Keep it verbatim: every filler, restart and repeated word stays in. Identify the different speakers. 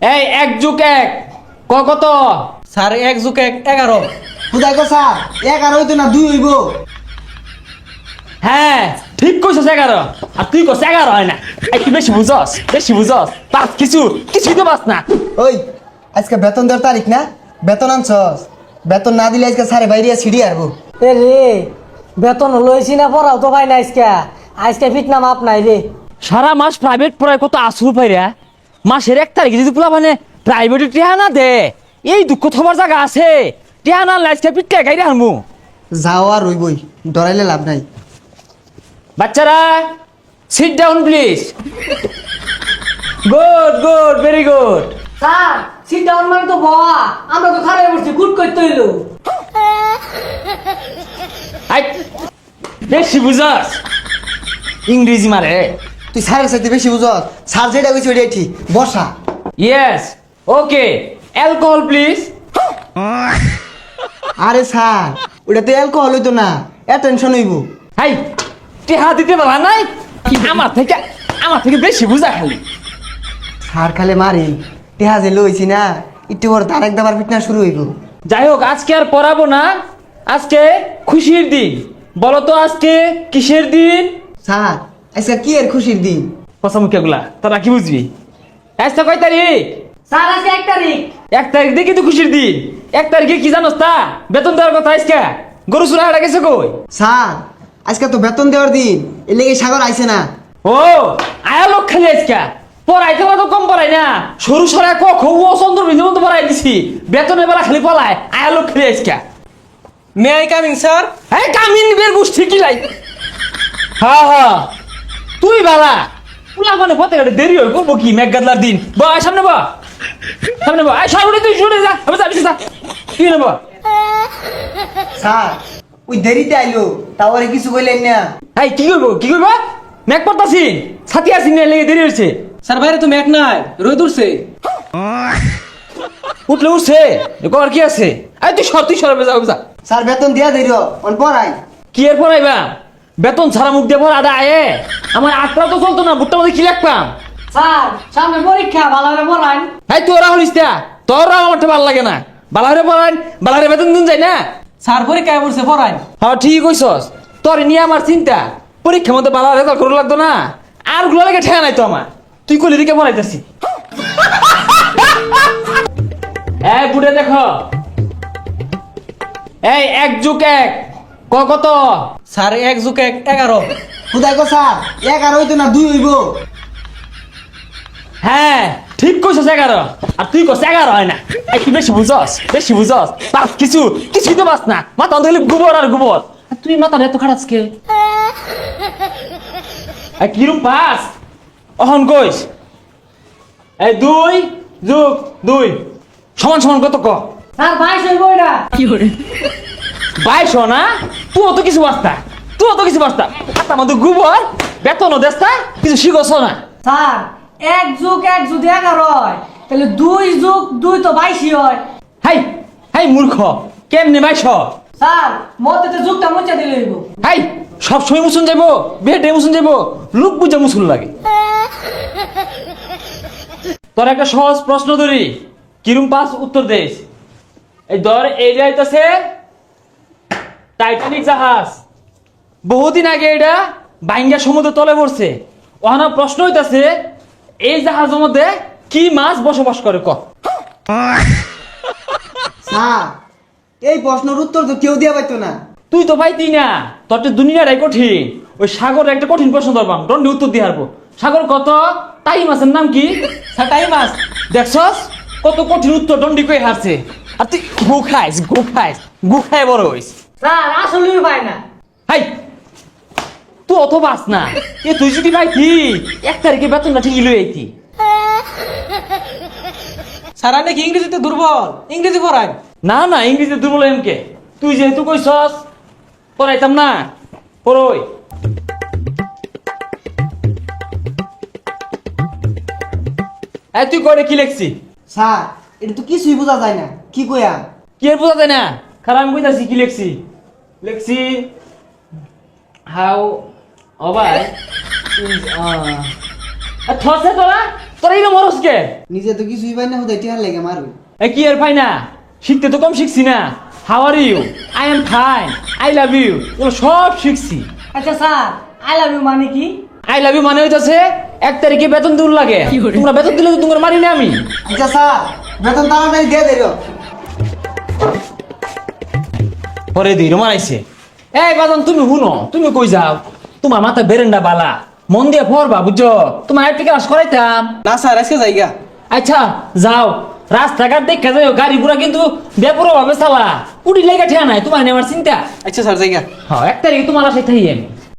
Speaker 1: এই এক যুগ এক ক কত?
Speaker 2: স্যার এক যুগ এক এগারো।
Speaker 3: খুদাই কো স্যার এগারো হইতো না দুই হইব।
Speaker 1: হ্যাঁ ঠিক কইছস এগারো, আর তুই কস এগারো হয় না। এই তুই বেশি বুঝস, বেশি বুঝস, পাস কিছু কিছুই তো পাস না।
Speaker 3: ওই আজকে বেতন দেওয়ার তারিখ না, বেতন আনছস? বেতন না দিলে আজকে স্যারে বাইরে ছিড়ি আরবো।
Speaker 2: এ রে বেতন লইছি না পড়াও তো ভাই না আজকে আজকে ফিট না মাপ নাই রে।
Speaker 1: সারা মাস প্রাইভেট পড়ায় কত আসু পাইরা, মাসের এক তারিখে যদি পোলা মানে প্রাইভেটে টিহা না দে, এই দুঃখ থবার জায়গা আছে? টিহা না লাইসকে পিটকে গাইরে হারমু।
Speaker 3: যাও আর রইবই, ডরাইলে লাভ নাই।
Speaker 1: বাচ্চারা sit down please. Good good very good.
Speaker 2: Sir sit down মানে তো বাবা, আমরা তো খারাপ করছি গুড করতে হইলো।
Speaker 1: আই বেশি বুঝাস, ইংরেজি মারে।
Speaker 3: তুই স্যারের সাথে বেশি বুঝস, স্যার যেটা কইছে ওইটাই ঠিক। বসা।
Speaker 1: Yes okay, alcohol please.
Speaker 3: আরে স্যার ওটা তো অ্যালকোহল হইতো না, অ্যাটেনশন হইব।
Speaker 1: হাই টিহা দিতে পারা নাই, আমার থেকে আমার থেকে বেশি বুঝা খালি।
Speaker 3: স্যার খালে মারেন, টেহা যে লইছি না, একটু পর তার এক দাবার ফিটনা শুরু হইব।
Speaker 1: যাই হোক আজকে আর পড়াবো না, আজকে খুশির দিন। বলো তো আজকে কিসের দিন?
Speaker 3: স্যার আজকে কি এর খুশির দিন?
Speaker 1: কথা মুখে গুলা তোরা কি বুঝবি? আজকে কয় তারিখ?
Speaker 2: স্যার আজকে এক তারিখ।
Speaker 1: এক তারিখ দেখি তো খুশির দিন। এক তারিখে কি জানোস তা? বেতন দেওয়ার কথা আজকে। গরু চুরা হারা গেছে কই?
Speaker 3: স্যার আজকে তো বেতন দেওয়ার দিন, এর লেগে সাগর আইছে না।
Speaker 1: ও আয়া লোক খালি আজকে পড়াইতে পারা তো কম পড়াই না, সরু সরাই ক খ ও চন্দ্র বিন্দু মতো পড়াই দিছি। বেতনের বেলা খালি পলায়, আয়া লোক খালি আজকে।
Speaker 2: May I coming sir?
Speaker 1: হ্যাঁ কামিন বের গোষ্ঠী কি লাই। হ্যাঁ হ্যাঁ তুই বালা পুলা মানে পথে ঘাটে দেরি হয় করবো কি? মেঘ গাদলার দিন বা সামনে বা সামনে বা আয় সরে তুই সরে যা, আমি যাবি যা তুই নেব।
Speaker 3: স্যার ওই দেরিতে আইলো, তাও আর কিছু কইলেন না।
Speaker 1: এই কি করবো কি করবো? মেঘ পড়তাছি, ছাতি আসি না লেগে দেরি হচ্ছে।
Speaker 2: স্যার বাইরে তো মেঘ নাই, রোদ উঠছে।
Speaker 1: উঠলে উঠছে কর কি আছে? এই তুই সর তুই সরে যা যা।
Speaker 3: স্যার বেতন দিয়া দেরি অন পড়াই।
Speaker 1: কি এর পড়াইবা? বেতন ছাড়া মুখ দিয়ে পড়া আয়ে আমার আটটা তো চলতো না, বুটটা মধ্যে কি লাগতাম?
Speaker 2: স্যার সামনে পরীক্ষা ভালো করে পড়ান।
Speaker 1: এই তোরা হলিস তা, তোরা আমার ভালো লাগে না। বালারে পড়ান, বালারে বেতন দিন যায় না।
Speaker 2: স্যার পরীক্ষায় পড়ছে পড়ান।
Speaker 1: হ্যাঁ ঠিক কইছস, তোর নিয়ে আমার চিন্তা। পরীক্ষার মধ্যে বালা রেজাল্ট করে লাগতো না, আর গুলো লাগে ঠেয়া নাই তো আমার। তুই কলি দিকে পড়াইতেছি। এই বুড়ে দেখো, এই এক যুগ এক ক কত?
Speaker 2: স্যার এক যুগ এক এগারো।
Speaker 3: খুদাই কো স্যার এগারো হইতো না দুই হইব।
Speaker 1: হ্যাঁ ঠিক কইছস এগারো, আর তুই কস এগারো হয় না। এই তুই বেশি বুঝস, বেশি বুঝস, পাস কিছু কিছুই তো পাস না। মাথা অন্ধ গোবর আর গোবর। আর তুই মাথা এত খারাপ কে? এই কিরম পাস অহন কইস? এই দুই যুগ দুই সমান সমান কত ক?
Speaker 2: স্যার বাইশ হইব এটা। কি করে
Speaker 1: বাইশ না? তুই অত কিছু বাস্তা, তুই অত কিছু বাস্তা। হাতার মধ্যে গোবর, বেতনও দেস্তা, কিছু শিখছ না।
Speaker 2: স্যার এক যুগ এক যদি এগারো হয় তাহলে দুই যুগ দুই তো বাইশই হয়।
Speaker 1: হাই হাই মূর্খ, কেমনে বাইশ?
Speaker 2: স্যার মধ্যে তো যুগটা মুচা দিলে হইব।
Speaker 1: হাই সব সময় মুসুন যাবো, বেটে মুসুন যাবো, লোক বুঝে মুসুন লাগে। তোর একটা সহজ প্রশ্ন ধরি, কিরম পাস উত্তর দেশ। এই ধর এই যাইতেছে টাইটানিক জাহাজ, বহুদিন আগে এটা বাইঙ্গা সমুদ্র তলে পড়ছে। ওখানে প্রশ্ন হইতাছে এই জাহাজের মধ্যে কি মাছ বসবাস করে ক?
Speaker 3: স্যার এই প্রশ্নের উত্তর তো কেউ দিয়া পাইতো না।
Speaker 1: তুই তো পাইতি না, তোর তো দুনিয়াটাই কঠিন। ওই সাগর একটা কঠিন প্রশ্ন ধরবাম, দণ্ডে উত্তর দিয়ে হারবো। সাগর কত? তাই মাছের নাম কি?
Speaker 2: স্যার টাইম মাস।
Speaker 1: দেখছস কত কঠিন উত্তর দণ্ডি কই হারছে। আর তুই গু খাইস, গু খাইস, গু খায় বড় হইস।
Speaker 2: স্যার আসলেই পায় না।
Speaker 1: হাই তুই অত বাস না। এ তুই যদি পাইতি এক তারিখে বেতনটা ঠিকই লই আইতি।
Speaker 2: স্যার নাকি ইংরেজিতে দুর্বল, ইংরেজি পড়ায়।
Speaker 1: না না ইংরেজিতে দুর্বল এমকে, তুই যেহেতু কইছস পড়াইতাম না। পড়ই এই তুই করে কি লেখছি?
Speaker 3: স্যার এটা তো কিছুই বোঝা যায় না, কি কইয়া?
Speaker 1: কি এর বোঝা যায় না? খারাপ আমি কইতাছি কি লেখছি। লেখছি হাউ অবাই ইজ আ থসে তোরা তোরা এই মরস কে
Speaker 3: নিজে তো কিছুই পাই না হুদাই টিহার লেগে মারু
Speaker 1: এ কি আর পাই না শিখতে তো কম শিখছি না how are you I am fine I love you এগুলো সব শিখছি
Speaker 2: আচ্ছা স্যার আই লাভ ইউ মানে কি
Speaker 1: আই লাভ ইউ মানে হইতাছে এক তারিখে বেতন দূর লাগে তোমরা বেতন দিলে তো তোমার মারি না আমি
Speaker 3: আচ্ছা স্যার বেতন তাড়াতাড়ি দিয়ে দিল
Speaker 1: পরে দিই রোমান আইছে এই বাদন তুমি শুনো তুমি কই যাও তোমার মাথা বেরেন্ডা বালা মন দিয়ে পড়বা বুঝছো তোমার একটা ক্লাস করাইতাম
Speaker 3: না স্যার আজকে যাইগা
Speaker 1: আচ্ছা যাও রাস্তাঘাট দেখে যাও গাড়ি পুরা কিন্তু বেপুরো ভাবে চালা উড়ি লেগে ঠিয়া নাই তোমার নেওয়ার চিন্তা
Speaker 3: আচ্ছা স্যার যাইগা
Speaker 1: হ্যাঁ এক তারিখে তোমার আসাই থাই আমি